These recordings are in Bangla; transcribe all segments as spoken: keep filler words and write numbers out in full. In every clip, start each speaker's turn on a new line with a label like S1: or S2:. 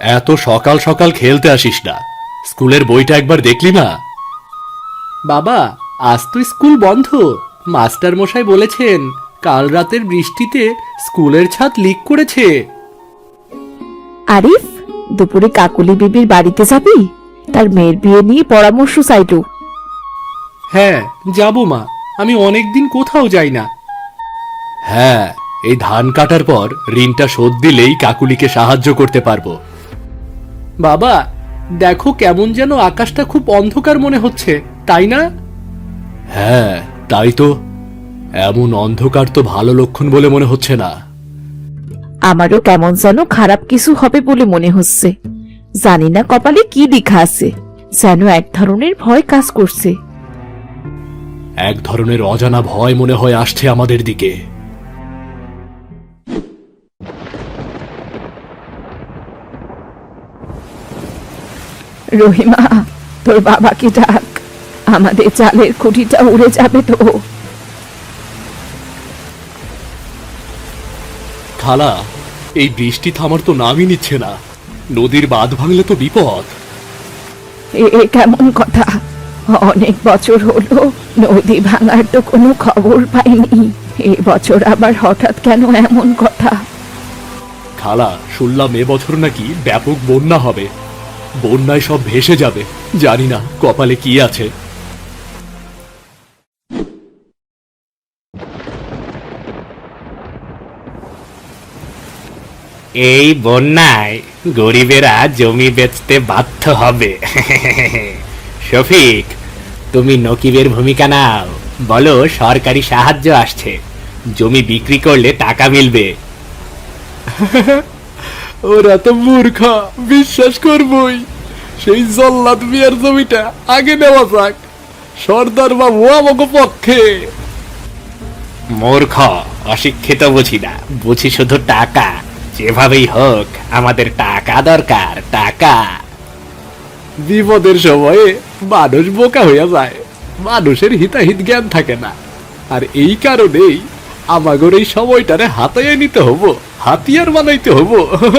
S1: এত সকাল সকাল খেলতে আসিস না, স্কুলের বইটা একবার দেখলি না? বাবা, আজ তো স্কুল বন্ধ। মাস্টার মশাই বলেছেন কাল রাতের বৃষ্টিতে স্কুলের ছাদ লিক করেছে।
S2: আরিফ, দুপুরে কাকুলি বিবির বাড়িতে যাবি? তার মেয়ের বিয়ে নিয়ে পরামর্শ চাইলো।
S1: হ্যাঁ যাব মা, আমি অনেকদিন কোথাও যাই না। হ্যাঁ, এই ধান কাটার পর ঋণটা শোধ দিলেই কাকুলিকে সাহায্য করতে পারবো। বাবা, দেখো কেমন যেন আকাশটা খুব অন্ধকার মনে হচ্ছে, তাই না? হ্যাঁ তাই তো, এমন অন্ধকার তো ভালো লক্ষণ বলে মনে হচ্ছে না।
S2: আমারও কেমন যেন খারাপ কিছু হবে বলে মনে হচ্ছে। জানি না কপালে কি লেখা আছে, যেন এক ধরনের ভয় কাজ করছে।
S1: এক ধরনের অজানা ভয় মনে হয় আসছে আমাদের দিকে।
S2: রহিমা, তোর বাবাকে ডাক, আমাদের চালের খুঁটিটা উড়ে যাবে তো।
S1: খালা, এই বৃষ্টি থামার তো নামই নিচ্ছে না। নদীর বাঁধ ভাঙলে তো বিপদ।
S2: এ এ কেমন কথা? অনেক বছর হলো নদী ভাঙার তো কোনো খবর পাইনি। এ বছর আবার হঠাৎ কেন এমন কথা?
S1: খালা, শুনলাম এবছর নাকি ব্যাপক বন্যা হবে। বন্যায় সব ভেসে যাবে। জানি না কপালে কি আছে।
S3: এই বন্যায় গরিবেরা জমি বেচতে বাধ্য হবে। শফিক, তুমি নকিবের ভূমিকা নাও, বলো সরকারি সাহায্য আসছে, জমি বিক্রি করলে টাকা মিলবে।
S1: ওরা তো মূর্খা, বিশ্বাস করবই। সেই জল্লাদ মিয়ার জমিটা আগে নেওয়া যাক, সর্দার বাবু আমাকে পক্ষে।
S3: মূর্খ, অশিক্ষিত বুঝি না, বুঝি শুধু টাকা। যেভাবেই হোক আমাদের টাকা দরকার, টাকা।
S1: বিপদের সময়ে মানুষ বোকা হইয়া যায়, মানুষের হিতাহিত জ্ঞান থাকে না। আর এই কারণেই আমাগর এই সময়টারে হাতাইয়া নিতে হবো, হাতিয়ার বানাইতে হবো।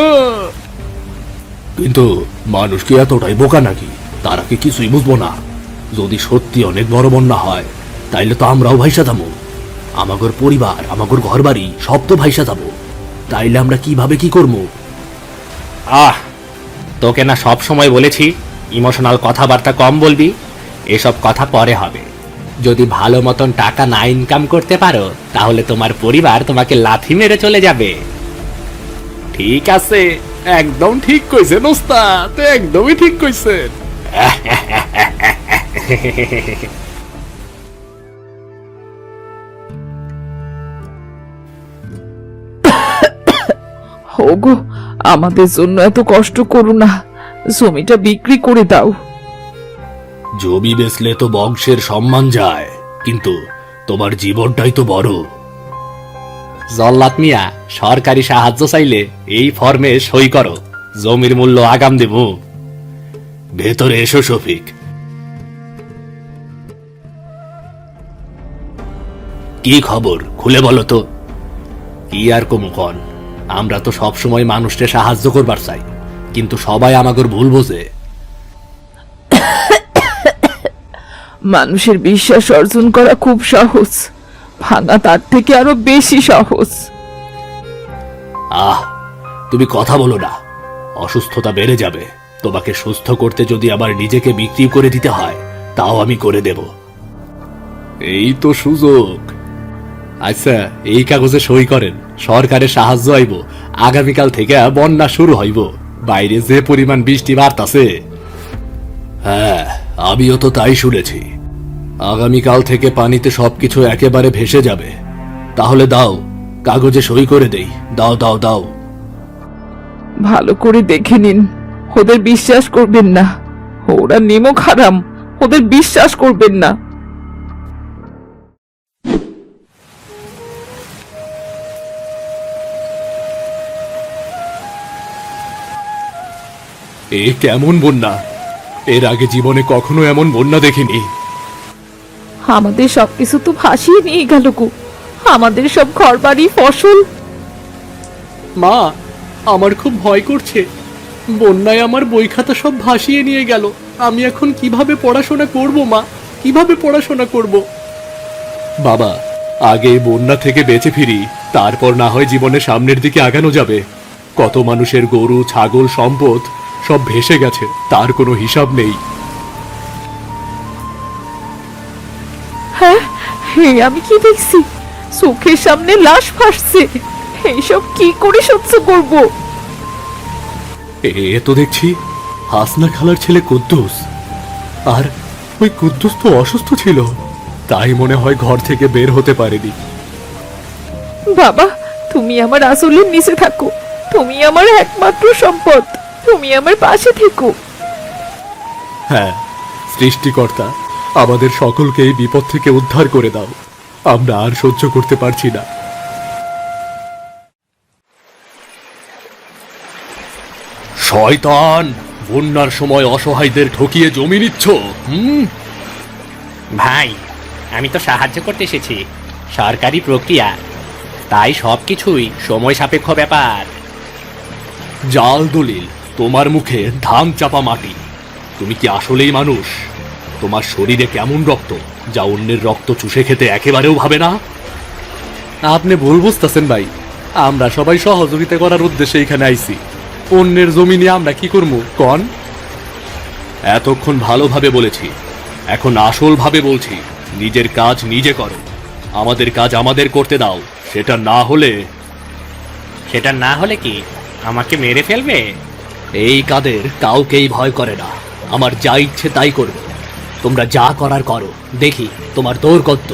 S1: কিন্তু মানুষ কি এতটাই বোকা নাকি? তারা কি কিছুই বুঝবো না? যদি সত্যি অনেক বড় বন্যা হয় তাইলে তো আমরাও ভাইসা যাবো। আমাগর পরিবার, আমাগর ঘর বাড়ি সব তো ভাইসা যাবো। তাইলে আমরা কিভাবে কি করবো?
S3: আহ, তোকে না সব সময় বলেছি ইমোশনাল কথাবার্তা কম বলবি। এসব কথা পরে হবে। যদি ভালো মতন টাকা না ইনকাম করতে পারো তাহলে তোমার পরিবার তোমাকে লাথি মেরে চলে যাবে।
S1: ঠিক আছে, একদম ঠিক কইছেন ওস্তাদ, একদমই ঠিক কইছেন।
S2: ওগো, আমাদের জন্য এত কষ্ট করো না, জমিটা বিক্রি করে দাও।
S1: জমি বেচলে তো বংশের সম্মান যায়, কিন্তু তোমার জীবনটাই তো বড়।
S3: জল্লাদ মিয়া, সরকারি সাহায্য চাইলে এই ফর্মে সই করো, জমির মূল্য আগাম দেব।
S1: ভেতরে এসো শফিক। কি খবর খুলে বলো তো?
S3: কি আর কম কন, আমরা তো সব সময় মানুষকে সাহায্য করবার চাই, কিন্তু সবাই আমাগর ভুল বোঝে।
S2: মানুষের বিশ্বাস অর্জন করা খুব সহজ, ভাঙা তার থেকে আরো বেশি সহজ।
S1: আহ, তুমি কথা বলো না, অসুস্থতা বেড়ে যাবে। তোমাকে সুস্থ করতে যদি আবার নিজেকে বিক্রি করে দিতে হয় তাও আমি করে দেব। এই তো সুযোগ।
S3: আচ্ছা, এই কাগজে সই করেন, সরকারের সাহায্য আইব। আগামীকাল থেকে বন্যা শুরু হইব। বাইরে যে পরিমাণ বৃষ্টি বাড়তাছে।
S1: হ্যাঁ, আমিও তো তাই শুনেছি। আগামীকাল থেকে পানিতে সবকিছু একেবারে ভেসে যাবে। তাহলে দাও, কাগজে সই করে দেই। দাও দাও দাও।
S2: ভালো করে দেখে নিন, ওদের বিশ্বাস করবেন না, ওরা নিমক হারাম, ওদের বিশ্বাস করবেন না।
S1: এ কেমন বন্যা! এর আগে জীবনে কখনো এমন বন্যা দেখিনি।
S2: আমাদের সবকিছু তো ভাসিয়ে নিয়ে গেল গো, আমাদের সব ঘরবাড়ি, ফসল।
S1: মা, আমার খুব ভয় করছে। বন্যায় আমার বই খাতা সব ভাসিয়ে নিয়ে গেল। আমি এখন কিভাবে পড়াশোনা করব মা? কিভাবে পড়াশোনা করব? বাবা, আগে এই বন্যা থেকে বেঁচে ফিরি, তারপর না হয় জীবনের সামনের দিকে আগানো যাবে। কত মানুষের গরু, ছাগল, সম্পদ সব ভেসে গেছে, তার কোনো হিসাব নেই।
S2: হ্যাঁ, হে আমি কি দেখছি? চোখের সামনে লাশ ভাসছে। এইসব কি করে সহ্য করব?
S1: এ তো দেখছি হাসনা খালার ছেলে কুদ্দুস। আর ওই কুদ্দুস তো অসুস্থ ছিল, তাই মনে হয় ঘর থেকে বের হতে পারেনি।
S2: বাবা, তুমি আমার আসলের নিচে থাকো। তুমি আমার একমাত্র সম্পদ। তুমি আমার পাশে থেকো।
S1: হ্যাঁ, সৃষ্টিকর্তা, আমাদের সকলকে এই বিপদ থেকে উদ্ধার করে দাও। আমরা আর সহ্য করতে পারছি না। শয়তান, বন্যার সময় অসহায়দের ঠকিয়ে জমি নিচ্ছ। হুম,
S3: ভাই, আমি তো সাহায্য করতে এসেছি। সরকারি প্রক্রিয়া, তাই সবকিছুই সময় সাপেক্ষ ব্যাপার।
S1: জাল দলিল, তোমার মুখে ধান চাপা মাটি। তুমি কি আসলেই মানুষ? তোমার শরীরে কেমন রক্ত যা অন্যের রক্ত চুষে খেতে একেবারেও ভাবে না? আপনি ভুল বুঝতেছেন ভাই। আমরা সবাই সহযোগিতা করার উদ্দেশ্যে এখানে আইছি। অন্যের জমি নিয়ে আমরা কি করবো কন? এতক্ষণ ভালোভাবে বলেছি, এখন আসল ভাবে বলছি, নিজের কাজ নিজে করো। আমাদের কাজ আমাদের করতে দাও। সেটা না হলে
S3: সেটা না হলে কি আমাকে মেরে ফেলবে?
S1: এই কাদের কাউকেই ভয় করে না। আমার যা ইচ্ছে তাই করবে। তোমরা যা করার করো, দেখি তোমার দৌড় কত।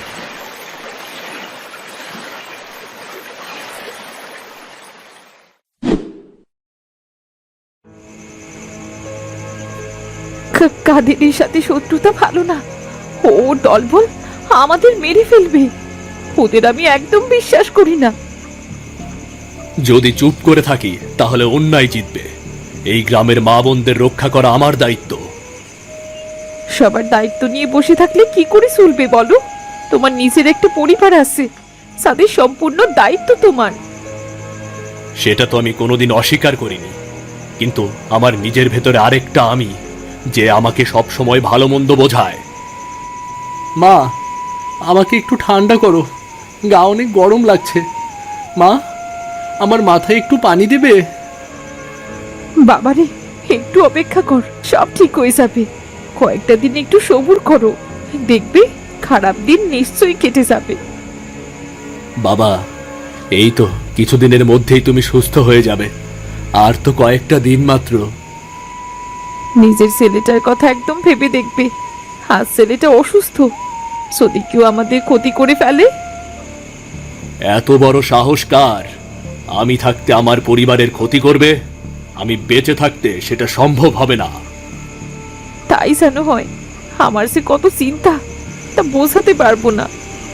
S2: কা- কাদেরের সাথে শত্রুতা ভালো না। ও দলবল আমাদের মেরে ফেলবে। ওদের আমি একদম বিশ্বাস করি না।
S1: যদি চুপ করে থাকি তাহলে অন্যায় জিতবে। এই গ্রামের মা বোনদের রক্ষা করা আমার দায়িত্ব।
S2: সবার দায়িত্ব নিয়ে বসে থাকলে কি করে চলবে বলো? তোমার নিজের একটা পরিবার আছে, তাদের সম্পূর্ণ দায়িত্ব তোমার।
S1: সেটা তো আমি কোনোদিন অস্বীকার করিনি, কিন্তু আমার নিজের ভেতরে আরেকটা আমি, যে আমাকে সব সময় ভালো মন্দ বোঝায়। মা, আমাকে একটু ঠান্ডা করো, গা অনেক গরম লাগছে। মা, আমার মাথায় একটু পানি দেবে?
S2: বাবারে, একটু অপেক্ষা কর, সব ঠিক হয়ে যাবে। কয়েকটা দিন একটু সবুর করো, দেখবে খারাপ দিন নিশ্চয়ই কেটে যাবে।
S1: বাবা, এই তো কিছুদিনের মধ্যেই তুমি সুস্থ হয়ে যাবে। আর তো কয়েকটা দিন মাত্র।
S2: নিজের ছেলেটার কথা একদম ভেবে দেখবে। আজ ছেলেটা অসুস্থ, যদি কেউ আমাদের ক্ষতি করে ফেলে।
S1: এত বড় সাহস কার? আমি থাকতে আমার পরিবারের ক্ষতি করবে? আমি বেঁচে থাকতে সেটা সম্ভব হবে না।
S2: তাই যেন হয়। আমার সে কত চিন্তা, তা বোঝাতে পারবো না।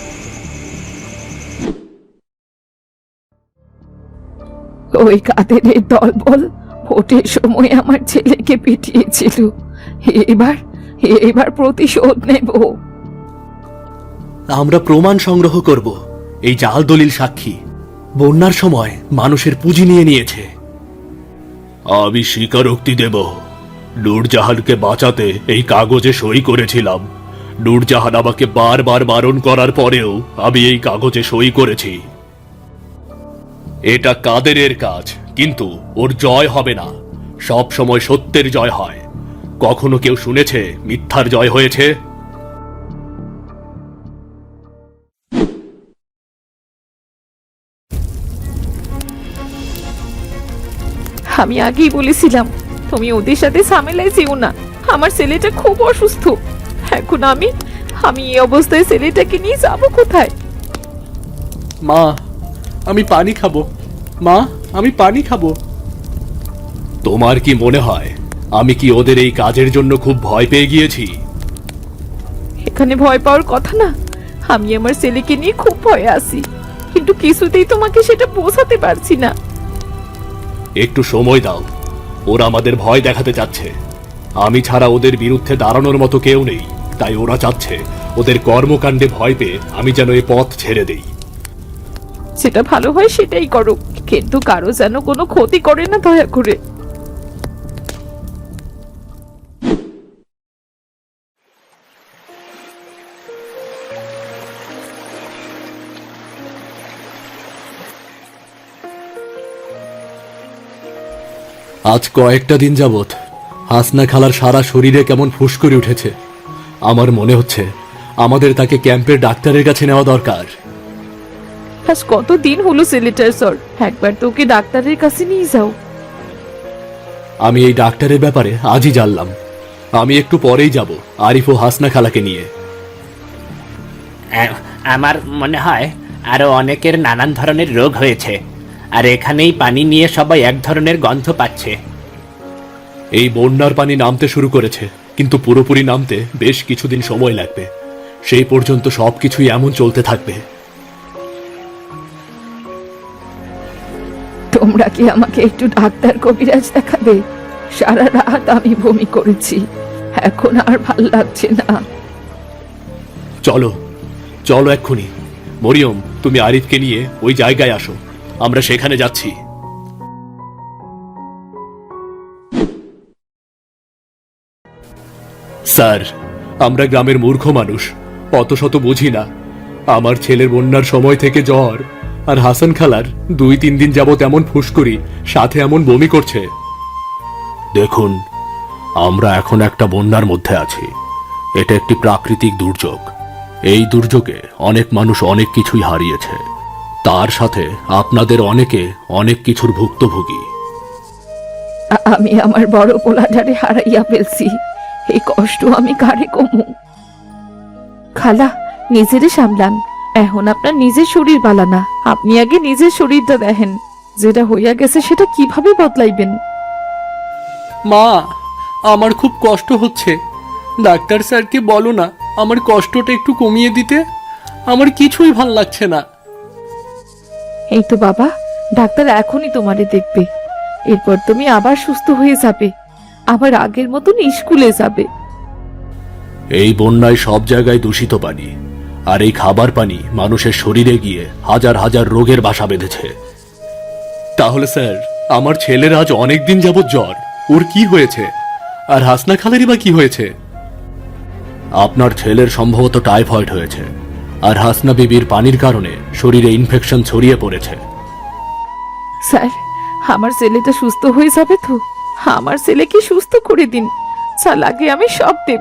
S2: ওই কাদেরের দলবল ভোটের সময় আমার ছেলেকে পিটিয়েছিল। এবার এবার প্রতিশোধ নেব।
S1: আমরা প্রমাণ সংগ্রহ করব। এই জাল দলিল সাক্ষী বন্যার সময় মানুষের পুঁজি নিয়ে নিয়েছে। আমি স্বীকারোক্তি দেব, নূরজাহানকে বাঁচাতে এই কাগজে সই করেছিলাম। নূরজাহান আমাকে বারবার বারণ করার পরেও আমি এই কাগজে সই করেছি। এটা কাদেরের কাজ, কিন্তু ওর জয় হবে না। সব সময় সত্যের জয় হয়। কখনো কেউ শুনেছে মিথ্যার জয় হয়েছে?
S2: আমি আগেই বলেছিলাম তুমি ওদের সাথে ঝামেলায় যেও না। আমার ছেলেটা খুব অসুস্থ। এখন আমি আমি এই অবস্থায় ছেলেটাকে নিয়ে যাব কোথায়?
S1: মা, আমি পানি খাবো। মা, আমি পানি খাবো। তোমার কি মনে হয় আমি কি ওদের এই কাজের জন্য খুব ভয় পেয়ে গিয়েছি?
S2: এখানে ভয় পাওয়ার কথা না। আমি আমার ছেলেকে নিয়ে খুব ভয়ে আছি, কিন্তু কিছুতেই তোমাকে সেটা বোঝাতে পারছি না।
S1: একটু সময় দাও। ওরা আমাদের ভয় দেখাতে চাচ্ছে। আমি ছাড়া ওদের বিরুদ্ধে দাঁড়ানোর মতো কেউ নেই, তাই ওরা চাচ্ছে ওদের কর্মকাণ্ডে ভয় পেয়ে আমি যেন এই পথ ছেড়ে দেই।
S2: সেটা ভালো হয় সেটাই করো, কিন্তু কারো যেন কোনো ক্ষতি করে না, দয়া করে।
S1: আজ কয়েকটা দিন যাবত হাসনা খালার সারা শরীরে কেমন ফুস করে উঠেছে। আমার মনে হচ্ছে আমাদের তাকে ক্যাম্পের ডাক্তারের কাছে নেওয়া দরকার।
S2: আজ কত দিন হলো ছেলেটার স্যার, একবার তো ওকে ডাক্তারের কাছে নিয়ে যাও।
S1: আমি এই ডাক্তারের ব্যাপারে আজই জানলাম। আমি একটু পরেই যাব আরিফ ও হাসনা খালাকে নিয়ে।
S3: আ- আমার মনে হয় আরো অনেকের নানান ধরনের রোগ হয়েছে, আর এখানেই পানি নিয়ে সবাই এক ধরনের গন্ধ পাচ্ছে।
S1: এই বন্যার পানি নামতে শুরু করেছে, কিন্তু পুরোপুরি নামতে বেশ কিছুদিন সময় লাগবে। সেই পর্যন্ত সবকিছুই এমন চলতে থাকবে।
S2: তোমরা কি আমাকে একটু ডাক্তার কবিরাজ দেখাবে? সারা রাত আমি বমি করেছি, এখন আর ভাল লাগছে না।
S1: চলো চলো এক্ষুনি। মরিয়ম, তুমি আরিফকে নিয়ে ওই জায়গায় আসো, আমরা সেখানে যাচ্ছি। স্যার, আমরা গ্রামের মূর্খ মানুষ, অত শত বুঝি না। আমার ছেলের বন্যার সময় থেকে জ্বর, আর হাসান খালার দুই তিন দিন যাবত এমন ফুসকুড়ি, সাথে এমন বমি করছে। দেখুন, আমরা এখন একটা বন্যার মধ্যে আছি। এটা একটি প্রাকৃতিক দুর্যোগ। এই দুর্যোগে অনেক মানুষ অনেক কিছুই হারিয়েছে, তার সাথে আপনাদের অনেকে অনেক কিছুর ভুক্তভোগী।
S2: আ- আমি আমার বড় পোলাটারে হারাইয়া ফেলছি, এই কষ্ট আমি কারে কমু? খালা, নিজেরে সামলান, এখন আপনার নিজের শরীর বালানা। আপনি আগে নিজের শরীরটা দেখেন, যেটা হইয়া গেছে সেটা কিভাবে বদলাইবেন।
S1: মা, আমার খুব কষ্ট হচ্ছে। ডাক্তার স্যারকে বলো না আমার কষ্টটা একটু কমিয়ে দিতে। আমার কিছুই ভাল লাগছে না।
S2: এই তো বাবা, ডাক্তার এখনই তোমারে দেখবে, এরপর তুমি আবার সুস্থ হয়ে যাবে, আবার আগের মতন স্কুলে যাবে।
S1: এই বন্যায় সব জায়গায় দূষিত পানি, আর এই খাবার পানি মানুষের শরীরে গিয়ে হাজার হাজার রোগের বাসা বেঁধেছে। তাহলে স্যার, আমার ছেলের আজ অনেক দিন যাবৎ জ্বর, ওর কি হয়েছে? আর হাসনা খালেরই বা কি হয়েছে? আপনার ছেলের সম্ভবত টাইফয়েড হয়েছে, আর হাসনা বিবির পানির কারণে শরীরে ইনফেকশন ছড়িয়ে পড়েছে।
S2: স্যার, আমার ছেলেটা সুস্থ হয়ে যাবে তো? আমার ছেলেকে সুস্থ করে দিন, যা লাগে আমি সব দেব।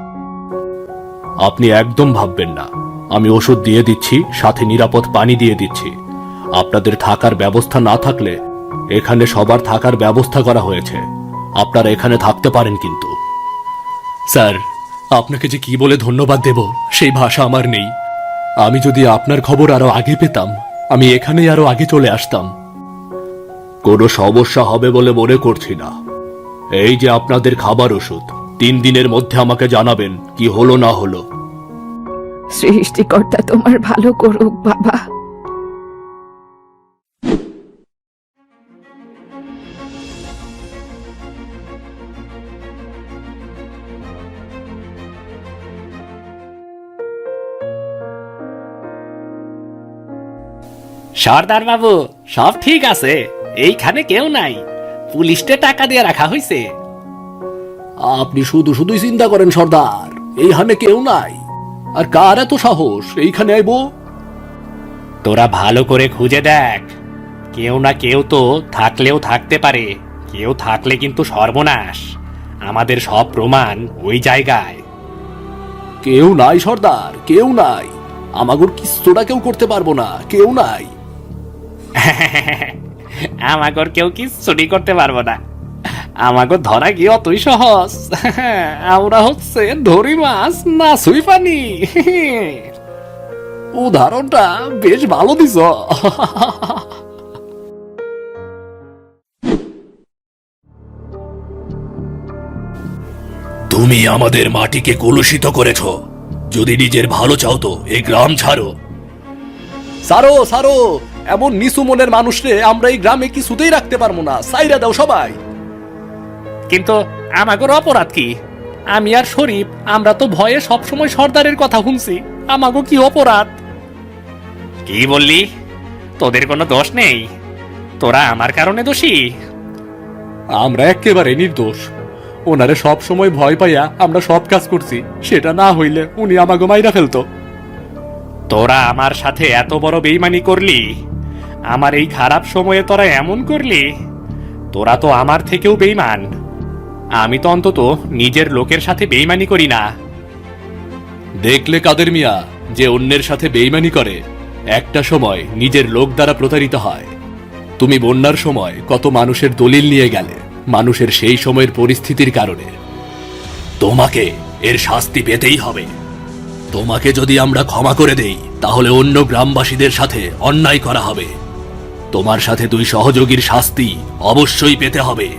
S1: আপনি একদম ভাববেন না, আমি ওষুধ দিয়ে দিচ্ছি, সাথে নিরাপদ পানি দিয়ে দিচ্ছি। আপনাদের থাকার ব্যবস্থা না থাকলে এখানে সবার থাকার ব্যবস্থা করা হয়েছে, আপনারা এখানে থাকতে পারেন। কিন্তু স্যার, আপনাকে যে কি বলে ধন্যবাদ দেব সেই ভাষা আমার নেই। আমি যদি আপনার খবর আরো আগে পেতাম, আমি এখানেই আরো আগে চলে আসতাম। কোনো সমস্যা হবে বলে মনে করছি না। এই যে আপনাদের খাবার ওষুধ, তিন দিনের মধ্যে আমাকে জানাবেন কি হলো না হলো।
S2: সৃষ্টিকর্তা তোমার ভালো করুক বাবা।
S3: সর্দার বাবু, সব ঠিক আছে, এইখানে কেউ নাই, পুলিশকে টাকা দিয়ে রাখা হয়েছে।
S1: আপনি শুধু শুধুই চিন্তা করেন সর্দার, এইখানে কেউ নাই। আর কার এত সাহস এইখানে আইবো?
S3: তোরা ভালো করে খুঁজে দেখ, কেউ না কেউ তো থাকলেও থাকতে পারে, কেউ থাকলে কিন্তু সর্বনাশ। আমাদের সব প্রমাণ ওই জায়গায়।
S1: কেউ নাই সর্দার, কেউ নাই। আমাগোর কিচ্ছুটা কেউ করতে পারবো না, কেউ নাই।
S3: আমাগর কেউ কিচ্ছুটি করতে পারবো না, আমাগর ধরা কি অতই সহজ? আমরা হচ্ছে ধরি মাছ না সুই পানি।
S1: উদাহরণটা বেশ ভালো দিছ। তুমি আমাদের মাটিকে কলুষিত করেছ। যদি নিজের ভালো চাও তো এই গ্রাম ছাড়ো। সারো সারো, এমন নিচু মনের মানুষরে আমরা এই গ্রামে কিছুতেই রাখতে পারবো না, সাইরা দাও সবাই।
S3: কিন্তু আমাগর অপরাধ কি? আমি আর শরীফ আমরা তো ভয়ে সবসময় সর্দারের কথা শুনছি, আমাগো কি অপরাধ? কি বললি? তোদের কোনো দোষ নেই, তোরা আমার কারণে দোষী।
S1: আমরা একেবারে নির্দোষ। ওনারে সব সময় ভয় পাইয়া আমরা সব কাজ করছি, সেটা না হইলে উনি আমাকে মাইরা ফেলতো।
S3: তোরা আমার সাথে এত বড় বেইমানি করলি, আমার এই খারাপ সময়ে তোরা এমন করলি, তোরা তো আমার থেকেও বেইমান। আমি তো অন্তত নিজের লোকের সাথে বেইমানি করি না।
S1: দেখলে কাদের মিয়া, যে অন্যের সাথে বেইমানি করে একটা সময় নিজের লোক দ্বারা প্রতারিত হয়। তুমি বন্যার সময় কত মানুষের দলিল নিয়ে গেলে মানুষের সেই সময়ের পরিস্থিতির কারণে। তোমাকে এর শাস্তি পেতেই হবে। তোমাকে যদি আমরা ক্ষমা করে দেই তাহলে অন্য গ্রামবাসীদের সাথে অন্যায় করা হবে। তোমার সাথে দুই সহযোগীর শাস্তি অবশ্যই পেতে হবে।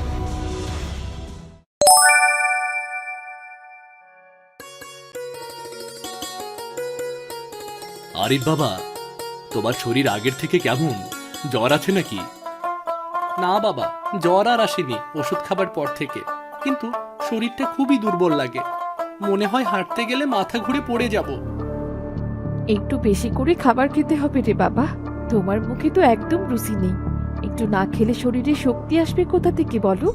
S1: আরিফ বাবা, তোমার শরীর আগের থেকে কেমন? জ্বর আছে নাকি? না বাবা, জ্বর আর আসেনি ওষুধ খাবার পর থেকে, কিন্তু শরীরটা খুবই দুর্বল লাগে। মনে হয় হাঁটতে গেলে মাথা ঘুরে পড়ে যাব।
S2: একটু বেশি করে খাবার খেতে হবে রে বাবা। তোমার মুখে তো একদম রুচি নেই। একটু না খেলে শরীরে শক্তি আসবে কোথা থেকে বলো?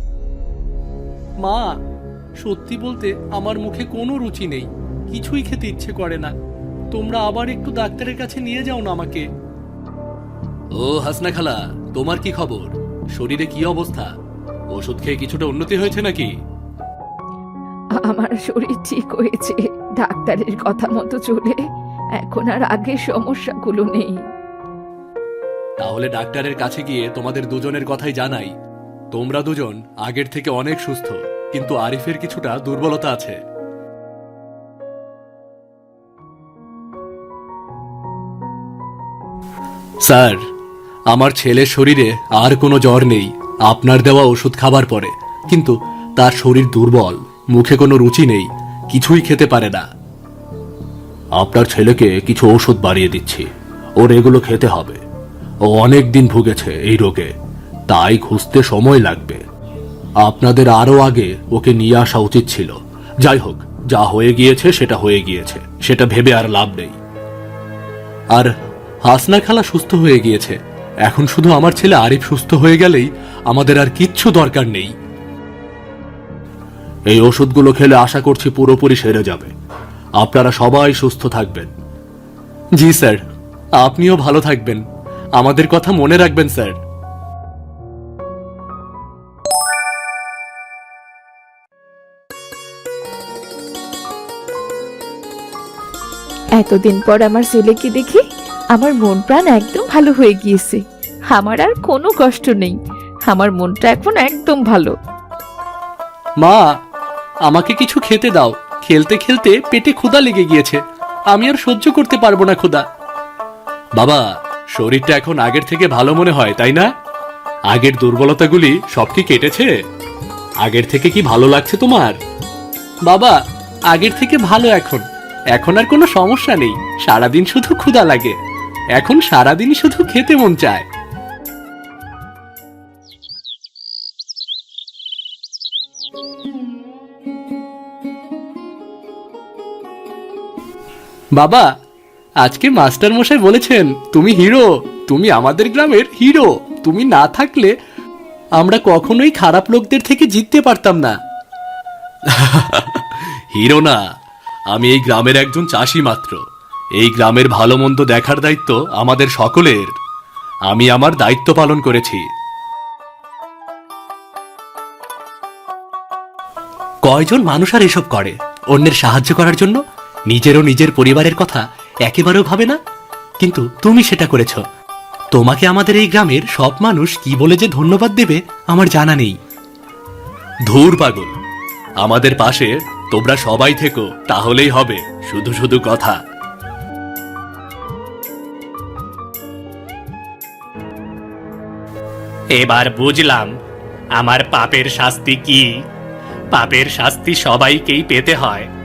S1: মা, সত্যি বলতে আমার মুখে কোনো রুচি নেই, কিছুই খেতে ইচ্ছে করে না। তোমরা আবার একটু ডাক্তারের কাছে নিয়ে যাও না আমাকে। ও হাসনা খালা, তোমার কি খবর? শরীরে কি অবস্থা? ওষুধ খেয়ে কিছুটা উন্নতি হয়েছে নাকি?
S2: আমার শরীর ঠিক হয়েছে, ডাক্তারের কথা মতো চলে। এখন আর আগের সমস্যাগুলো নেই।
S1: তাহলে ডাক্তারের কাছে গিয়ে তোমাদের দুজনের কথাই জানাই। তোমরা দুজন আগের থেকে অনেক সুস্থ, কিন্তু আরিফের কিছুটা দুর্বলতা আছে। স্যার, আমার ছেলের শরীরে আর কোনো জ্বর নেই আপনার দেওয়া ওষুধ খাবার পরে, কিন্তু তার শরীর দুর্বল, মুখে কোনো রুচি নেই, কিছুই খেতে পারে না। আপনার ছেলেকে কিছু ওষুধ বাড়িয়ে দিচ্ছি, ওর এগুলো খেতে হবে। ও অনেক দিন ভুগেছে এই রোগে, তাই খুঁজতে সময় লাগবে। আপনাদের আরো আগে ওকে নিয়ে আসা উচিত ছিল। যাই হোক, যা হয়ে গিয়েছে সেটা হয়ে গিয়েছে, সেটা ভেবে আর লাভ নেই। আর হাসনা খালা সুস্থ হয়ে গিয়েছে, এখন শুধু আমার ছেলে আরিফ সুস্থ হয়ে গেলেই আমাদের আর কিচ্ছু দরকার নেই। এই ওষুধগুলো খেলে আশা করছি পুরোপুরি সেরে যাবে। আপনারা সবাই সুস্থ থাকবেন। জি স্যার, আপনিও ভালো থাকবেন, আমাদের কথা মনে রাখবেন স্যার।
S2: এতদিন পর আমার ছেলেকে দেখি আমার মন প্রাণ একদম ভালো হয়ে গিয়েছে। আমার আর কোনো কষ্ট নেই, আমার মনটা এখন একদম ভালো।
S1: মা, আমাকে কিছু খেতে দাও, খেলতে খেলতে পেটে ক্ষুধা লেগে গিয়েছে, আমি আর সহ্য করতে পারবো না ক্ষুধা। বাবা, শরীরটা এখন আগের থেকে ভালো মনে হয়, তাই না? আগের দুর্বলতাগুলি সব কি কেটেছে? আগের থেকে কি ভালো লাগছে তোমার? বাবা, আগের থেকে ভালো এখন, এখন আর কোনো সমস্যা নেই। সারাদিন শুধু ক্ষুধা লাগে, এখন সারাদিন শুধু খেতে মন চায়। বাবা, আজকে মাস্টার মশাই বলেছেন তুমি হিরো, তুমি আমাদের গ্রামের হিরো। তুমি না থাকলে আমরা কখনোই খারাপ লোকদের থেকে জিততে পারতাম না। হিরো না, আমি এই গ্রামের একজন চাষি মাত্র। এই গ্রামের ভালো মন্দ দেখার দায়িত্ব আমাদের সকলের। আমি আমার দায়িত্ব পালন করেছি। কয়জন মানুষ আর এসব করে অন্যের সাহায্য করার জন্য? নিজেরও নিজের পরিবারের কথা একেবারেও ভাবে না। কিন্তু তুমি সেটা করেছ। তোমাকে আমাদের এই গ্রামের সব মানুষ কি বলে যে ধন্যবাদ দেবে আমার জানা নেই। ধুর পাগল, আমাদের পাশে তোমরা সবাই থেকো, তাহলেই হবে। শুধু শুধু কথা।
S3: এবার বুঝলাম আমার পাপের শাস্তি কি। পাপের শাস্তি সবাইকেই পেতে হয়।